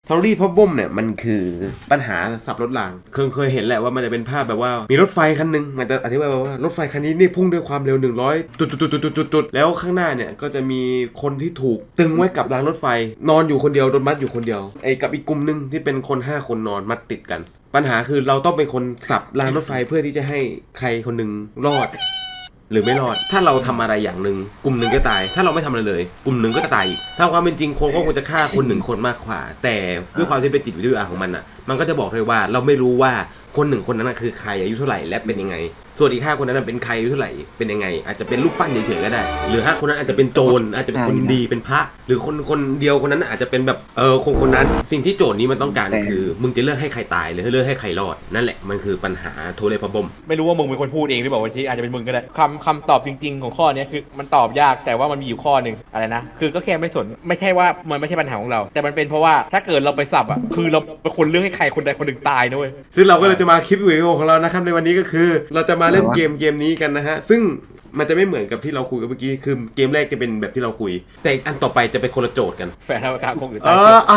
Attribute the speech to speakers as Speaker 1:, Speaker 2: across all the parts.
Speaker 1: Tory Problem เนี่ยมันคือปัญหาสับรถรางเคยเห็นแหละว่ามันจะเป็นภาพแบบว่ามีรถไฟคันนึงมันจะอธิบายว่ารถไฟคันนี้นี่พุ่งด้วยความเร็ว100จุดแล้วข้างหน้าเนี่ยก็จะมีคนที่ถูกตึงไว้กับรางรถไฟนอนอยู่คนเดียวโดนมัดอยู่คนเดียวไอ้กับอีกกลุ่มนึงที่เป็นคน5คนนอนมัดติดกันปัญหาคือเราต้องเป็นคนสับรางรถไฟเพื่อที่จะให้ใครคนนึงรอดหรือไม่รอดถ้าเราทำอะไรอย่างหนึ่งกลุ่มหนึ่งก็ตายถ้าเราไม่ทำอะไรเลยกลุ่มหนึ่งก็จะตายอีกถ้าความเป็นจริงคนก็ควรจะฆ่าคนหนึ่งคนมากกว่าแต่ด้วยความที่เป็นจิตวิทยาของมันอ่ะมันก็จะบอกเลยว่าเราไม่รู้ว่าคนหนึ่งคนนั้นคือใครอายุเท่าไหร่และเป็นยังไงส่วนอีก5คนนั้นเป็นใครอายุเท่าไหร่เป็นยังไงอาจจะเป็นรูปปั้นเฉยๆก็ได้หรือ5คนนั้นอาจจะเป็นโจรอาจจะเป็นคนดีเป็นพระหรือคนเดียวคนนั้นอาจจะเป็นแบบคนนั้นสิ่งที่โจทย์นี้มันต้องการคือมึงจะเลือกให้ใครตายหรือเลือกให้ใครรอดนั่นแหละมันคือปัญหาโทเลพบม
Speaker 2: ไม่รู้ว่ามึงเป็นคนพูดเองหรือเปล่าว่าที่อาจจะเป็นมึงก็ได้คำตอบจริงๆของข้อนี้คือมันตอบยากแต่ว่ามันมีอยู่ข้อหนึ่งอะไรนะคือก็แค่ไม่สนไม่ใช่ว่ามันไม่ใช่ปัญหาของเราแต่มันเป็นเพราะว่าถ้าเกิดเราไปสับอ่ะคือเราเป็นคนเลือกให้ใครคนใดคนหนึ่งตายนะเว้ย
Speaker 1: ซึ่งเราก็เลยจะมาคลิปวิดีโอของเรานะครับในวันนี้ก็คือเราจะมาเล่นเกมนี้กันนะฮะซึ่งมันจะไม่เหมือนกับที่เราคุยกันเมื่อกี้คือเกมแรกจะเป็นแบบที่เราคุยแต่อันต่อไปจะเป็นคนละโจทย์กัน
Speaker 2: แฟนธรรมกาคงอยู่ใต้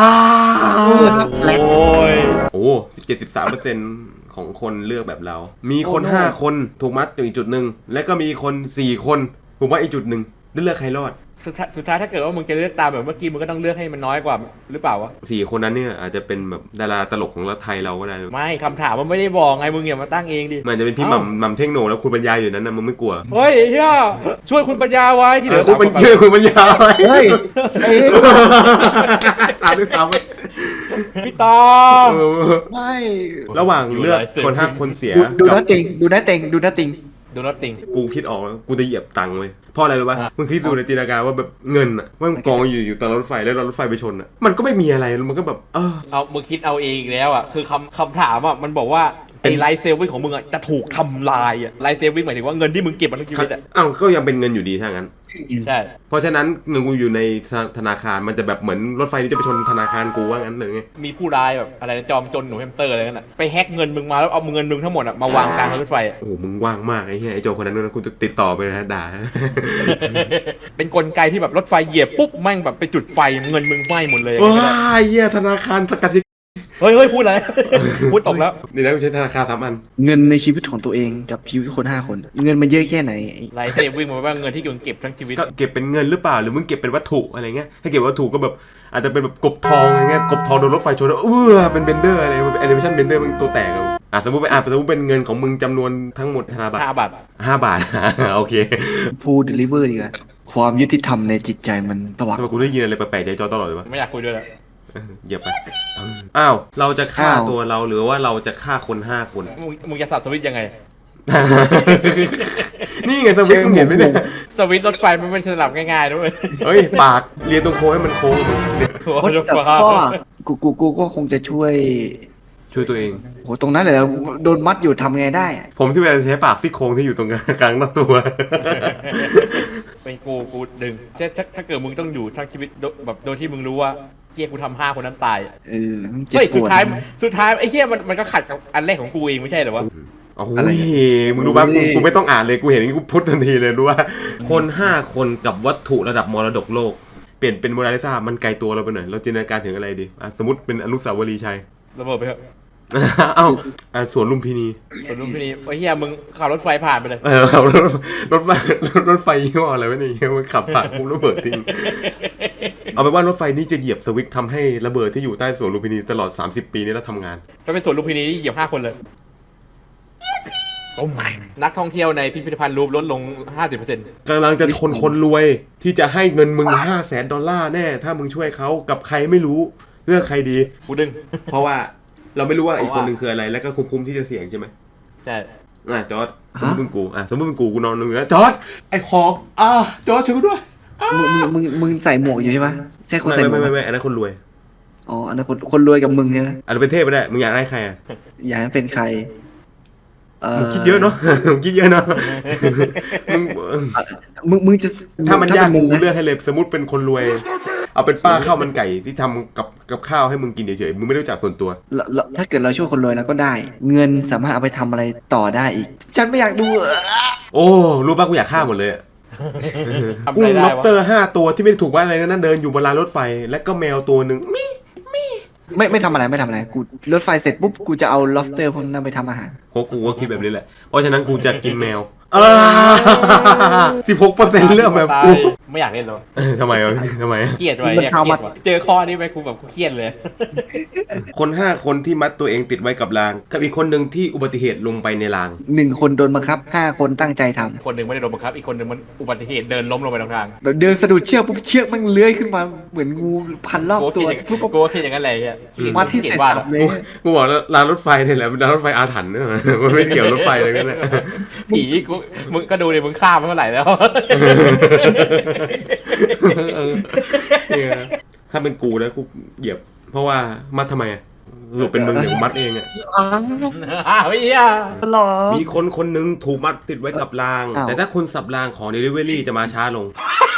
Speaker 1: โอ้73%ของคนเลือกแบบเรามีคน5คนถูกมัดอยู่อีกจุดหนึ่งและก็มีคน4คนถูกมัดอีกจุดหนึ่งเลือกใครรอด
Speaker 2: สุดท้ายถ้าเกิดว่ามึงจะเลือกตามแบบเมื่อกี้มึงก็ต้องเลือกให้มันน้อยกว่าหรือเปล่าวะ
Speaker 1: 4คนนั้นเนี่ยอาจจะเป็นแบบดาราตลกของเราไทยเราก็ได้
Speaker 2: ไม่คำถามมันไม่ได้บอกไงมึงอย่ามาตั้งเองดิ
Speaker 1: มันจะเป็นพี่หม่ำเท่งโหน่แล้วคุณปัญญาอยู่นั้นนะมึงไม่กลัว
Speaker 2: เฮ้ยเฮียช่วยคุณปัญญาไว้ที่เหลือ
Speaker 1: ช่วยคุณปัญญาไว้
Speaker 3: เฮ้ย
Speaker 1: ตามด้วยตาม
Speaker 2: พี่ตา
Speaker 3: ไม่
Speaker 1: ระหว่างเลือกคน5คนเสีย
Speaker 3: ดูนัตติง
Speaker 1: กูคิดออกแล้วกูจะเหยียบตังค์เว้ยเพราะอะไรรู้ป่ะมึงคิดดูในจินตนาการว่าแบบเงินอ่ะว่ามันกองอยู่ตรงรถไฟแล้วรถไฟไปชนอ่ะมันก็ไม่มีอะไรมันก็แบบ
Speaker 2: เอามึงคิดเอาเองอีกแล้วอ่ะคือคำถามอ่ะมันบอกว่าไอ้ไลฟ์เซฟวิ่งของมึงอ่ะจะถูกทำลายอ่ะไลฟ์เซฟวิ่งหมายถึงว่าเงินที่มึงเก็บมาทั้งชีวิตอ่ะ
Speaker 1: ก็ยังเป็นเงินอยู่ดีถ้างั้น
Speaker 2: ใช่
Speaker 1: เพราะฉะนั้นเงินกูอยู่ในธนาคารมันจะแบบเหมือนรถไฟที่จะไปชนธนาคารกูว่างั้นเลยไง
Speaker 2: มีผู้ร้ายแบบอะไรจอมจนหนูแฮมสเตอร์อะไรนั่นน่ะไปแฮกเงินมึงมาแล้วเอาเงินมึงทั้งหมดอ่ะมาวางกลางรถไฟ
Speaker 1: โอ้มึงว่างมากไอ้เหี้ยไอ้โจคนนั้นกูจะติดต่อไปนะด่า
Speaker 2: เป็นกลไกที่แบบรถไฟเหยียบปุ๊บแม่งแบบไปจุดไฟเงินมึงไหม้หมดเลย
Speaker 1: ว้าเหี้ยธนาคารสกัด
Speaker 2: เฮ้ยพูดอะไรพูดตกแล้ว
Speaker 1: นี่นะกูใช้ธนาคาร3 อัน
Speaker 3: เงินในชีวิตของตัวเองกับชีวิตคน5คนเงินมันเยอะแค่ไหน
Speaker 2: ไลฟ์เซฟวิ่งมาว่าเงินที่มึงเก็บทั้งชีวิต
Speaker 1: ก็เก็บเป็นเงินหรือเปล่าหรือมึงเก็บเป็นวัตถุอะไรเงี้ยถ้าเก็บวัตถุก็แบบอาจจะเป็นแบบกบทองอะไรเงี้ยกบทองโดนรถไฟชนแล้วเป็นเบนเดอร์อะไรแอนิเมชั่นเบนเดอร์มันตัวแตกสมมติเป็นเงินของมึงจำนวนทั้งหมดธนบัตร5 บาทโอเค
Speaker 3: พูดเดลิเวอร์ดีกว่าความยุติธรรมในจิตใจมันสว่าง
Speaker 1: ทำไมกูได้ยินอะไรแปลกๆใจจอตลอดเลยวะ
Speaker 2: ไม่อยากคุยด้วยแล้ว
Speaker 1: เหยียบไปเราจะฆ่าตัวเราหรือว่าเราจะฆ่าคน5 คน
Speaker 2: มึงจะสับสวิตยังไง
Speaker 1: นี่ไงสวิตมึงเห็นไหมเนี่ย
Speaker 2: สวิตรถไฟมันไม่สลับง่ายๆด้วย
Speaker 1: เฮ้ยปากเรียนตรงโค้งให้มันโค้ง
Speaker 3: แต่ฟ้ากูก็คงจะช่วย
Speaker 1: ตัวเอง
Speaker 3: โหตรงนั้นเลยโดนมัดอยู่ทำไงได้
Speaker 1: ผมที่เป็นใช้ปากซี่โครงที่อยู่ตรงกลางหน้าตัว
Speaker 2: เป็นกูดึงถ้าเกิดมึงต้องอยู่ทั้งชีวิตแบบโดยที่มึงรู้ว่าเฮียกูทำ5 คนนั้นตายเฮ้ยสุดท้ายไอ้เฮียมันก็ขัดกับอันแรกของกูเองไม่ใช่เหรอวะ
Speaker 1: โอ้โหมึงรู้ป่ะกูไม่ต้องอ่านเลยกูเห็นอย่างนี้กูพุททันทีเลยรู้ว่าคน5 คนกับวัตถุระดับมรดกโลกเปลี่ยนเป็นโมนาลิซามันไกลตัวเราไปหน่อยเราจินตนาการถึงอะไรดีสมมติเป็นอนุสาวรีย์ชัย
Speaker 2: ระเบิดไปเถอะ
Speaker 1: สวนลุมพินี
Speaker 2: ไอ้เหี้ยมึงขับรถไฟผ่านไปเลย
Speaker 1: ขับรถไฟยี่ห้ออะไรวะเนี่ยมันขับผ่านปุ๊บระเบิดทิ้งเอาไปว่ารถไฟนี่จะเหยียบสวิตช์ทำให้ระเบิดที่อยู่ใต้สวนลุมพินีตลอด30 ปีนี้แล้วทำงาน
Speaker 2: ถ้าเป็นสวนลุมพินีนี่เหยียบ5 คนเลยนักท่องเที่ยวในพิพิธภัณฑ์รูปลดลง 50%
Speaker 1: กำลังจะคนรวยที่จะให้เงินมึง$500,000แน่ถ้ามึงช่วยเขากับใครไม่รู้เลือกใครดี
Speaker 2: กูดึง
Speaker 1: เพราะว่าเราไม่รู้ว่าอีกคนหนึ่งคืออะไรแล้วก็คุ้มที่จะเสี่ยงใช่ไหม
Speaker 2: ใช่
Speaker 1: จอร์ดสมมติเป็นกูนอนนึงนะจอร์ดไอ้หอกจอร์ดช่วยกูด้วย
Speaker 3: มึงใส่หมวกอยู่ใช่ปะใช่คนใส่หมวก
Speaker 1: ไม่อันนั้นคนรวย
Speaker 3: อ๋ออันนั้นคนรวยกับมึงใช่ไหม
Speaker 1: อันนั้นเป็นเทพไม่ได้มึงอยากได้ใคร
Speaker 3: อยากให้เป็นใคร
Speaker 1: มึงคิดเยอะเนาะ
Speaker 3: มึงจะ
Speaker 1: ถ้ามันยากมึงเลือกให้เลยสมมติเป็นคนรวยเอาเป็นป้าข้าวมันไก่ที่ทำกับข้าวให้มึงกินเฉยๆมึงไม่รู้จักส่วนตัว
Speaker 3: ถ้าเกิดเราช่วยคนรวยแล้วก็ได้เงินสามารถเอาไปทำอะไรต่อได้อีกฉันไม่อยากดู
Speaker 1: โอ้รู้ป่ะกูอยากฆ่าหมดเลยกุ้งล็อบสเตอร์5 ตัวที่ไม่ได้ถูกว่าอะไรนั่นเดินอยู่บนรางรถไฟและก็แมวตัวหนึ่ง
Speaker 3: ไม่ทำอะไรกูรถไฟเสร็จปุ๊บกูจะเอา lobster พวกนั้นไปทำอาหาร
Speaker 1: เพราะกูก็คิดแบบนี้แหละ เพราะฉะนั้นกูจะกินแมว16%เรื่องแบบกู
Speaker 2: ไม่อยากเล่นเลย
Speaker 1: ทำไมวะทำไม
Speaker 2: เครียดไว้เนี่ยเครียดว่ะเจอข้อนี้ไปกูแบบกูเครียดเลย
Speaker 1: คน5 คนที่มัดตัวเองติดไว้กับรางกับอีกคนหนึ่งที่อุบัติเหตุลงไปในราง
Speaker 3: 1 คนโดนบังคับ 5 คนตั้งใจทำ
Speaker 2: คนหนึ่งไม่ได้โดนบังคับอีกคนหนึ่งมันอุบัติเหตุเดินล้มลงไปตรงกลาง
Speaker 3: แบบเดินสะดุดเชือกปุ๊บเชือกมันเลื้อยขึ้นมาเหมือนงูพันรอบ
Speaker 2: กู
Speaker 3: ตัว
Speaker 2: คิด
Speaker 3: ปุ๊บปุ๊บ
Speaker 2: กูคิดอย่างนั้นเลยอ่ะ
Speaker 3: มัดให้เสร็จสับเลย
Speaker 1: กูบอกแล้วรางรถไฟเนี่ยแหละเป็นรางรถไฟอาถรรพ์เนี่ยมันไม่เกี่ยวรถไฟเลยนั่นแหละ
Speaker 2: ผีกูมึงก็ดูดิมึงฆ่ามันเมื่อไหร่แล้ว
Speaker 1: เนี่ยถ้าเป็นกูนะกูเหยียบ เพราะว่ามัดทำไมอะสรุปเป็นมึงเนี่ยกูมัดเองอะ
Speaker 2: อ้าวเฮีย
Speaker 3: หรอ
Speaker 1: มีคนหนึงถูกมัดติดไว้กับราง
Speaker 3: อ้าว
Speaker 1: แต่ถ้าคนสับรางของ Delivery จะมาช้าลง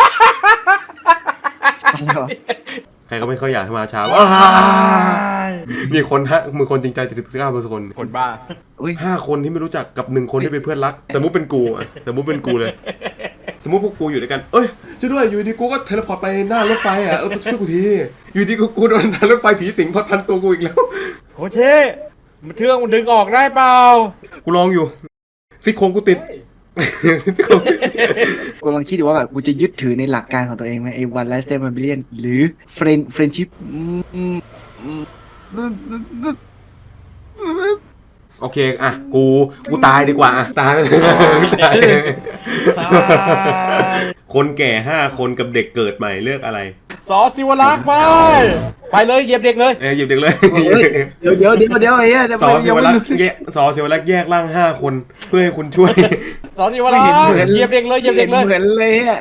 Speaker 3: อะไรวะ
Speaker 1: ใครก็ไม่ค่อยอยากให้มาช้ามีคนมือคนจริงใจ79%คน
Speaker 2: คนบ้า
Speaker 3: อุ้ย
Speaker 1: 5 คนที่ไม่รู้จักกับ1 คนที่เป็นเพื่อนรัก สมมุติเป็นกูอะสมมุติเป็นกูเลย สมมุติพวกกูอยู่ด้วยกัน เอ้ยช่วยด้วยอยู่ดีกูก็เทเลพอร์ตไปหน้ารถไฟอ่ะช่วยกูทีอยู่ดีกูโดนรถไฟผีสิงพันตัวกูอีกแล้ว
Speaker 2: โอเคมันเทืองมันดึงออกได้เปล่า
Speaker 1: กูลองอยู่ซี่โครงกูติด ซี่โครงติด
Speaker 3: กูลองคิดดูว่าแบบกูจะยึดถือในหลักการของตัวเองไหมไอ้วันไลฟ์สไตล์มิเลียนหรือเฟรนชิพ
Speaker 1: โอเคอ่ะกูตายดีกว่าอ่ะตายตายคนแก่5 คนกับเด็กเกิดใหม่เลือกอะไร
Speaker 2: สอสิวรักษ์ไปเลยเหยียบเด็กเลย
Speaker 1: หยิบเด็กเลย
Speaker 3: เดี๋ยวไอ้เหี้ยเดี๋ยว
Speaker 1: สอ
Speaker 3: มัน
Speaker 1: สิ
Speaker 3: ยัง
Speaker 1: ว
Speaker 3: ไม่
Speaker 1: รัก
Speaker 3: รู้
Speaker 1: ษ์สอสิวรักษ์แยกร่าง5 คนเพื่อให้คุณช่วย
Speaker 2: สอสิวรักษ์เหยียบเด็กเลยเหยียบ
Speaker 3: เห็
Speaker 2: เด็
Speaker 3: น
Speaker 2: กเลย
Speaker 3: เหมือนเลยอ่ะ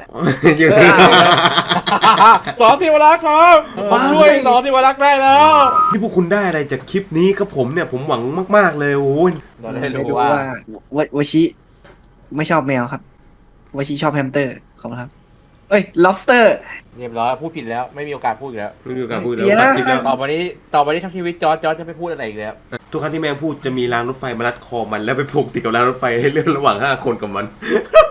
Speaker 2: สอสิวรักษ์ครับผมช่วยสอสิวรักษ์ได้แล้ว
Speaker 1: ที่พวกคุณได้อะไรจากคลิปนี้ครับผมเนี่ยผมหวังมากๆเลยโอ้ย
Speaker 2: เราได้
Speaker 3: ได้
Speaker 2: รู้
Speaker 3: ดู
Speaker 2: ว่า
Speaker 3: วชิไม่ชอบแมวครับวชิชอบแฮมสเตอร์ขอบคุณครับเอ้ย lobster
Speaker 2: เรียบร้อยพูดผิดแล้วไม่มีโอกาสพูดอีกแล้ว
Speaker 1: ไม่มีโอกาสพูด
Speaker 3: เดี๋
Speaker 1: แล้
Speaker 3: ยว ว
Speaker 1: ตัดคลิปแล้ว
Speaker 2: ต่อไปนี้ทั้งชีวิตจอร์จจะไม่พูดอะไรอีกแล้ว
Speaker 1: ทุกครั้งที่แม่งพูดจะมีรางรถไฟมารัดคอมันแล้วไปผูกติดกับรางรถไฟให้เลื่อนระหว่าง5 คนกับมัน